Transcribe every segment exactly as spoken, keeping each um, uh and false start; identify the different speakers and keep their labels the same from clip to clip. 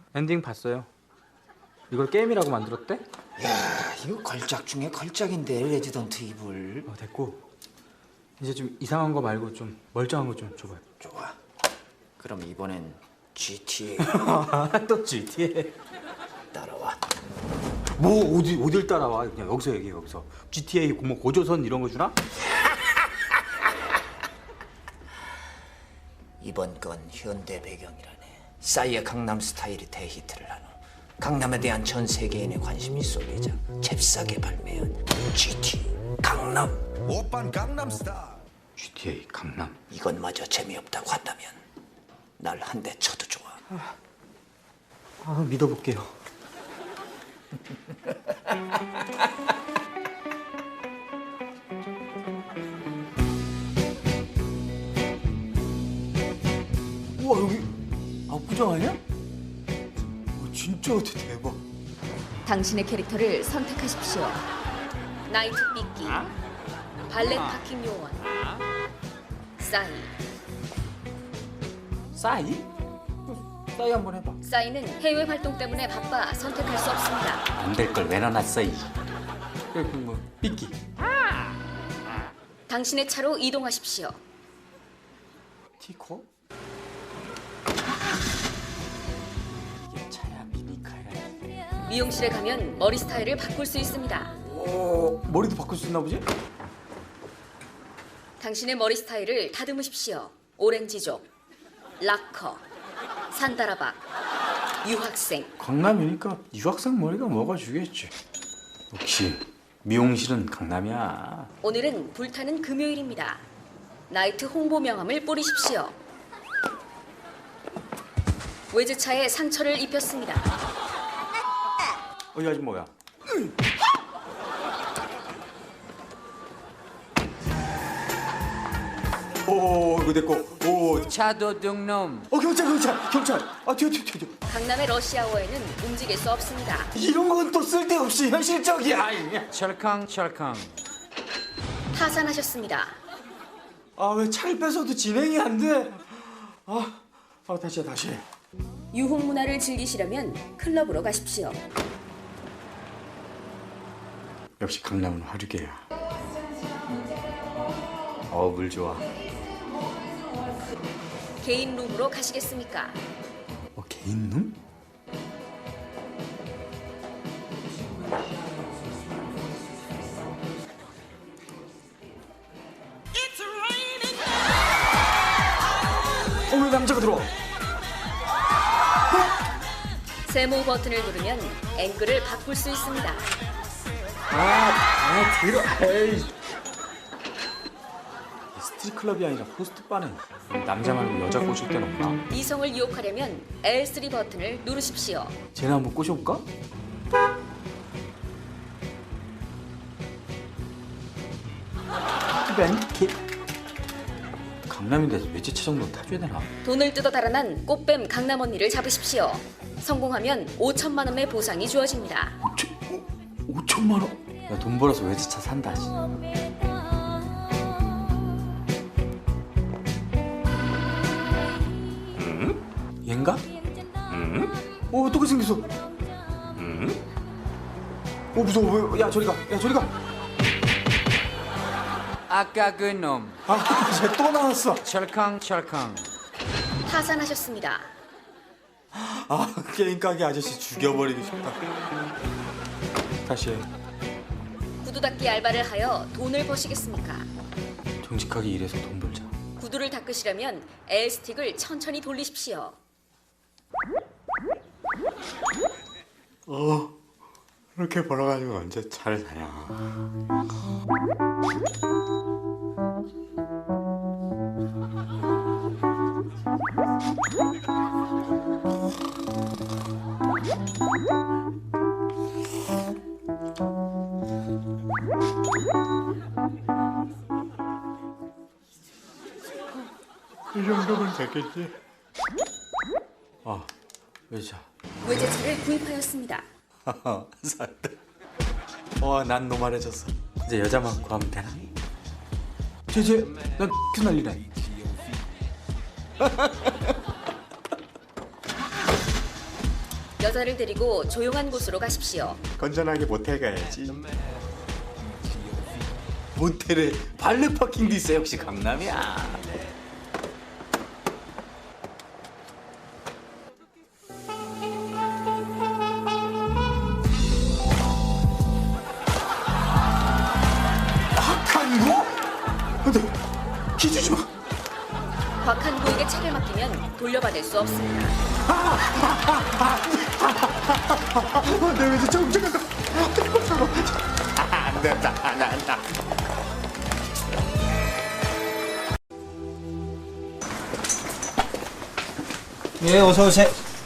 Speaker 1: 엔딩 봤어요. 이걸 게임이라고 만들었대?
Speaker 2: 야, 이거 걸작 중에 걸작인데 레지던트 이블.
Speaker 1: 어, 됐고 이제 좀 이상한 거 말고 좀 멀쩡한 거 좀 줘봐요.
Speaker 2: 좋아. 그럼 이번엔 지티에이.
Speaker 1: 또 지티에이.
Speaker 2: 따라와.
Speaker 1: 뭐 어디 어딜 따라와? 그냥 여기서 얘기해. 여기서 지티에이 뭐 고조선 이런 거 주나?
Speaker 2: 이번 건 현대 배경이라네. 싸이의 강남 스타일이 대히트를 한 후 강남에 대한 전 세계인의 관심이 쏠리자 잽싸게 발매한 지티에이 강남.
Speaker 3: 오빤 강남스타일.
Speaker 1: 지티에이 강남.
Speaker 2: 이것마저 재미없다고 한다면 날 한 대 쳐도 좋아.
Speaker 1: 아, 믿어볼게요. 우와, 여기 압구정 아니야? 어, 진짜 대박.
Speaker 4: 당신의 캐릭터를 선택하십시오. 나이트 삐끼, 발렛 파킹 요원, 싸이.
Speaker 1: 싸이? 싸이 한번 해봐.
Speaker 4: 싸이는 해외 활동 때문에 바빠 선택할 수 없습니다.
Speaker 1: 안 될 걸 왜 넣어놨어 이. 그뭐 삐끼.
Speaker 4: 당신의 차로 이동하십시오.
Speaker 1: 티코? 이게 차야 미니카야.
Speaker 4: 미용실에 가면 머리 스타일을 바꿀 수 있습니다.
Speaker 1: 어, 머리도 바꿀 수 있나 보지?
Speaker 4: 당신의 머리 스타일을 다듬으십시오. 오렌지족, 락커, 산다라박, 유학생.
Speaker 1: 강남이니까 유학생 머리가 먹어주겠지. 역시 미용실은 강남이야.
Speaker 4: 오늘은 불타는 금요일입니다. 나이트 홍보 명함을 뿌리십시오. 외제차에 상처를 입혔습니다.
Speaker 1: 어, 이 아줌 뭐야? 오, 이거 됐고. 오,
Speaker 2: 차도둑놈.
Speaker 1: 어, 경찰, 경찰, 경찰. 아, 튀어, 튀어, 튀어.
Speaker 4: 강남의 러시아워에는 움직일 수 없습니다.
Speaker 1: 이런 건 또 쓸데없이 현실적이야.
Speaker 2: 철캉 철캉.
Speaker 4: 파산하셨습니다.
Speaker 1: 아, 왜 차를 뺏어도 진행이 안 돼? 아, 아 다시 해, 다시 해.
Speaker 4: 유흥 문화를 즐기시려면 클럽으로 가십시오.
Speaker 1: 역시 강남은 화류계야. 어, 물 좋아.
Speaker 4: 개인 룸으로 가시겠습니까?
Speaker 1: 어, 개인 룸? 어, 왜 남자가 들어와?
Speaker 4: 세모 버튼을 누르면 앵글을 바꿀 수 있습니다.
Speaker 1: 아, 아, 들어. 에이. 스트릿클럽이 아니라 호스트바네. 남자 말고 여자 꼬실 데는 없나?
Speaker 4: 이성을 유혹하려면 엘 쓰리 버튼을 누르십시오.
Speaker 1: 쟤네 한번 꼬셔볼까? 벤킷. 강남인데 외제차 정도 타줘야 되나?
Speaker 4: 돈을 뜯어 달아난 꽃뱀 강남 언니를 잡으십시오. 성공하면 오천만 원의 보상이 주어집니다.
Speaker 1: 오천, 오, 오천만 원? 야, 돈 벌어서 외제차 산다. 씨. 음? 얘인가? 음? 어, 어떻게 생겼어? 음? 어, 무서워. 왜? 야, 저리 가. 야, 저리 가.
Speaker 2: 아까 그 놈.
Speaker 1: 아, 쟤 또 나왔어.
Speaker 2: 철캉 철캉.
Speaker 4: 파산하셨습니다.
Speaker 1: 아, 게임 가게 아저씨 죽여버리고 싶다. 다시 해.
Speaker 4: 구두 닦기 알바를 하여 돈을 버시겠습니까?
Speaker 1: 정직하게 일해서 돈 벌자.
Speaker 4: 구두를 닦으시려면 엘 스틱을 천천히 돌리십시오.
Speaker 1: 어, 이렇게 벌어가지고 언제 차를 사냐. 이 정도면 되겠지. 아, 외자.
Speaker 4: 외제차를 구입하였습니다.
Speaker 1: 살다. 와, 난 노말해졌어. 이제 여자만 구하면 되나? 쟤쟤, 난 X 날리네.
Speaker 4: 여자를 데리고 조용한 곳으로 가십시오.
Speaker 1: 건전하게 모텔 가야지. 모텔에 발레 파킹도 있어. 역시 강남이야. 박한구? 근데 키 주지 마.
Speaker 4: 곽한구에게 차를 맡기면 돌려받을 수 없습니다.
Speaker 1: 내 왠지 정정한 거. 안 된다. 안 된다.
Speaker 5: 예, 어서 오세요.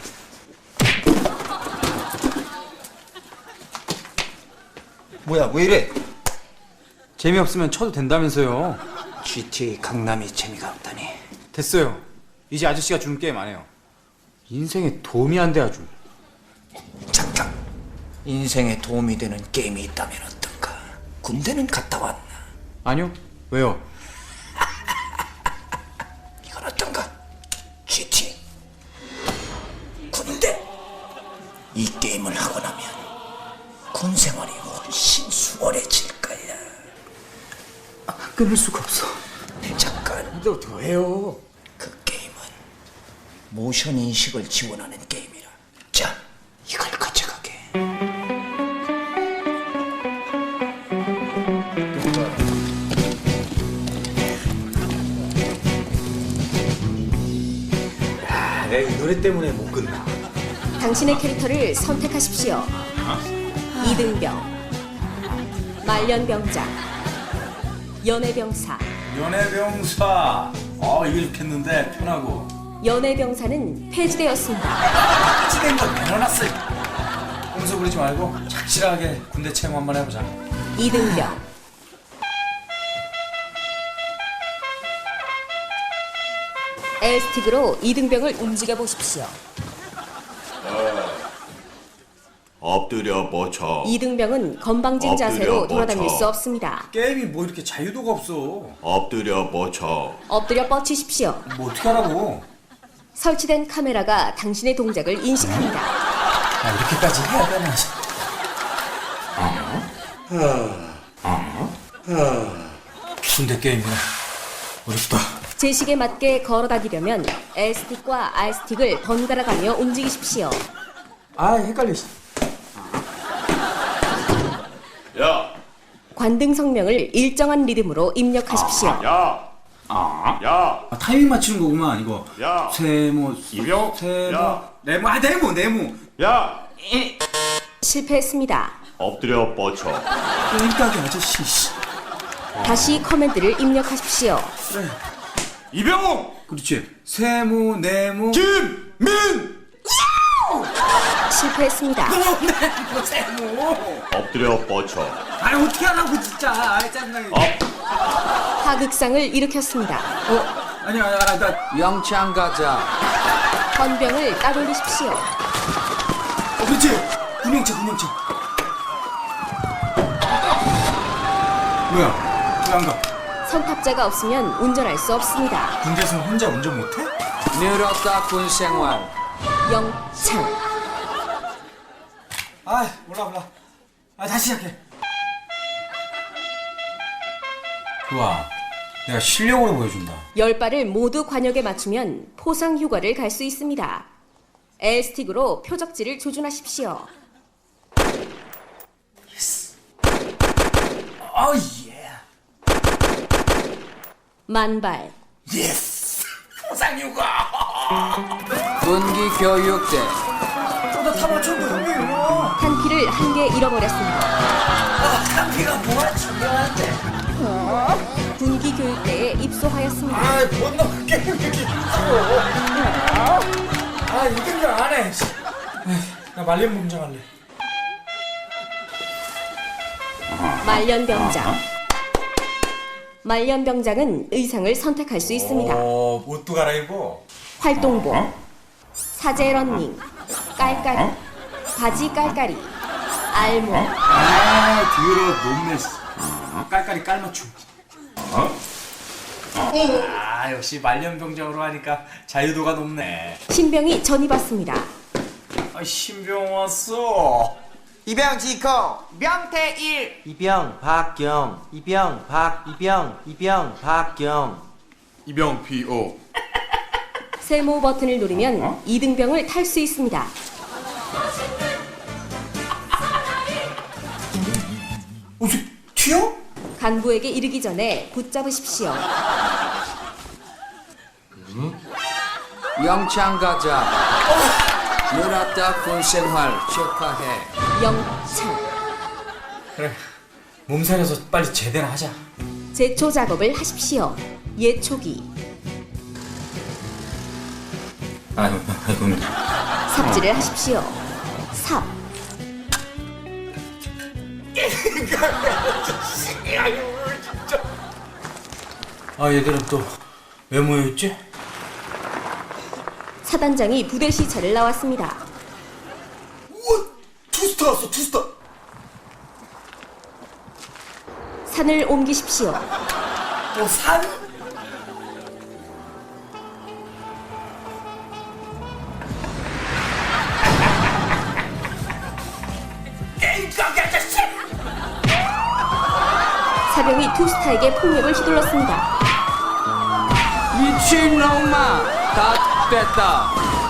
Speaker 5: 뭐야, 왜 이래?
Speaker 1: 재미없으면 쳐도 된다면서요.
Speaker 2: 지티에이 강남이 재미가 없다니.
Speaker 1: 됐어요. 이제 아저씨가 주는 게임 안 해요. 인생에 도움이 안 돼 아주.
Speaker 2: 잠깐. 인생에 도움이 되는 게임이 있다면 어떤가? 군대는 갔다 왔나?
Speaker 1: 아니요. 왜요?
Speaker 2: 이건 어떤가? 지티 군대. 이 게임을 하고 나면 군 생활이 훨씬 수월해질 거야.
Speaker 1: 끊을 수가 없어.
Speaker 2: 잠깐.
Speaker 1: 근데 어떻게 해요?
Speaker 2: 그 게임은 모션 인식을 지원하는 게임이라. 자, 이걸 가져가게.
Speaker 1: 아, 내가 이 노래 때문에 못 끝나.
Speaker 4: 당신의 캐릭터를 선택하십시오. 이등병, 말년병장, 연애병사.
Speaker 6: 연애병사. 어 이게 좋겠는데 편하고.
Speaker 4: 연애병사는 폐지되었습니다.
Speaker 6: 찌된 걸 내려놨어. 꼼수 부리지 말고 착실하게 군대 체험 한번 해보자.
Speaker 4: 이등병, 엘스틱으로 이등병을 움직여 보십시오.
Speaker 3: 엎드려 뻗쳐.
Speaker 4: 이등병은 건방진
Speaker 3: 엎드려
Speaker 4: 자세로
Speaker 3: 뻗쳐.
Speaker 4: 돌아다닐 수 없습니다.
Speaker 6: 게임이 뭐 이렇게 자유도가 없어.
Speaker 3: 엎드려 뻗쳐.
Speaker 4: 엎드려 뻗치십시오.
Speaker 6: 뭐 어떻게 하라고?
Speaker 4: 설치된 카메라가 당신의 동작을 인식합니다.
Speaker 6: 아 이렇게까지 해야 되나? 군대 게임이네. 어렵다.
Speaker 4: 제식에 맞게 걸어다니려면 L스틱과 R스틱을 번갈아 가며 움직이십시오.
Speaker 1: 아, 헷갈려.
Speaker 3: 야,
Speaker 4: 관등 성명을 일정한 리듬으로 입력하십시오.
Speaker 3: 야,
Speaker 6: 아,
Speaker 3: 야,
Speaker 6: 아 타이밍 맞추는 거구만 이거.
Speaker 3: 야.
Speaker 6: 세모,
Speaker 3: 이병.
Speaker 6: 세모,
Speaker 3: 야.
Speaker 6: 네모, 아 네모, 네모.
Speaker 3: 야.
Speaker 4: 실패했습니다.
Speaker 3: 엎드려 뻗쳐.
Speaker 6: 꼴깍이 아저씨. 씨.
Speaker 4: 다시 커맨드를 입력하십시오.
Speaker 3: 이병호.
Speaker 6: 그렇지. 세모, 네모.
Speaker 3: 김민.
Speaker 4: 실패했습니다.
Speaker 6: 네모, 세모.
Speaker 3: 엎드려 뻗쳐.
Speaker 6: 아 어떻게 하라고 진짜. 아 짜증나게.
Speaker 3: 업.
Speaker 4: 하극상을 일으켰습니다.
Speaker 6: 어? 아니야, 아, 나
Speaker 2: 영창 가자.
Speaker 4: 헌병을 따돌리십시오.
Speaker 6: 어, 그렇지. 구명차, 구명차. 뭐야? 왜 안 가?
Speaker 4: 선탑자가 없으면 운전할 수 없습니다.
Speaker 6: 군대에서 혼자 운전 못해?
Speaker 2: 늘었다 군 생활.
Speaker 4: 영창.
Speaker 6: 아, 몰라, 몰라. 아, 다시 시작해. 좋아. 내가 실력으로 보여준다.
Speaker 4: 열 발을 모두 관역에 맞추면 포상 휴가를 갈 수 있습니다. L스틱으로 표적지를 조준하십시오.
Speaker 6: 어, 예.
Speaker 4: 만발.
Speaker 6: 예스. 포상휴가.
Speaker 2: 군기 교육대.
Speaker 6: 나 다 맞췄는데 형님이야.
Speaker 4: 한 피를 한 개 잃어버렸습니다.
Speaker 6: 카피가 뭐가 중요한데.
Speaker 4: 군기 교육대에 입소하였습니다.
Speaker 6: 아, 뭔 놈 게임 이렇게 힘들어. 아, 이긴 줄 안 해. 에이, 나 말년 봉장 할래.
Speaker 4: 말년병장. 말년병장은 의상을 선택할 수 있습니다.
Speaker 6: 어, 옷도 갈아입어.
Speaker 4: 활동복, 사제 러닝, 깔깔이, 바지 깔깔이, 알몸,
Speaker 6: 아, 뒤로 높네. 깔깔이 깔맞춤. 어? 아, 역시 말년병장으로 하니까 자유도가 높네.
Speaker 4: 신병이 전입왔습니다.
Speaker 6: 아, 신병 왔어.
Speaker 5: 이병 지코 명태일 이병 박경 이병 박 이병 이병 박경
Speaker 3: 이병 피오.
Speaker 4: 세모 버튼을 누르면 이등병을 탈 수 있습니다.
Speaker 6: 어, 저, 튀어?
Speaker 4: 간부에게 이르기 전에 붙잡으십시오.
Speaker 2: 영창 가자. 놀았다 군생활 축하해.
Speaker 4: 영창.
Speaker 6: 그래, 몸살려서 빨리 제대로 하자.
Speaker 4: 제초 작업을 하십시오. 예초기.
Speaker 6: 아이고, 아이고.
Speaker 4: 삽질을 하십시오. 삽.
Speaker 6: 아, 얘들은 또 왜 모여있지?
Speaker 4: 사단장이 부대 시찰을 나왔습니다.
Speaker 1: 우와, 투스타 왔어, 투스타.
Speaker 4: 산을 옮기십시오.
Speaker 1: 어, 산?
Speaker 4: 사병이 투스타에게 폭력을 휘둘렀습니다.
Speaker 2: 미친놈아, 다 됐다.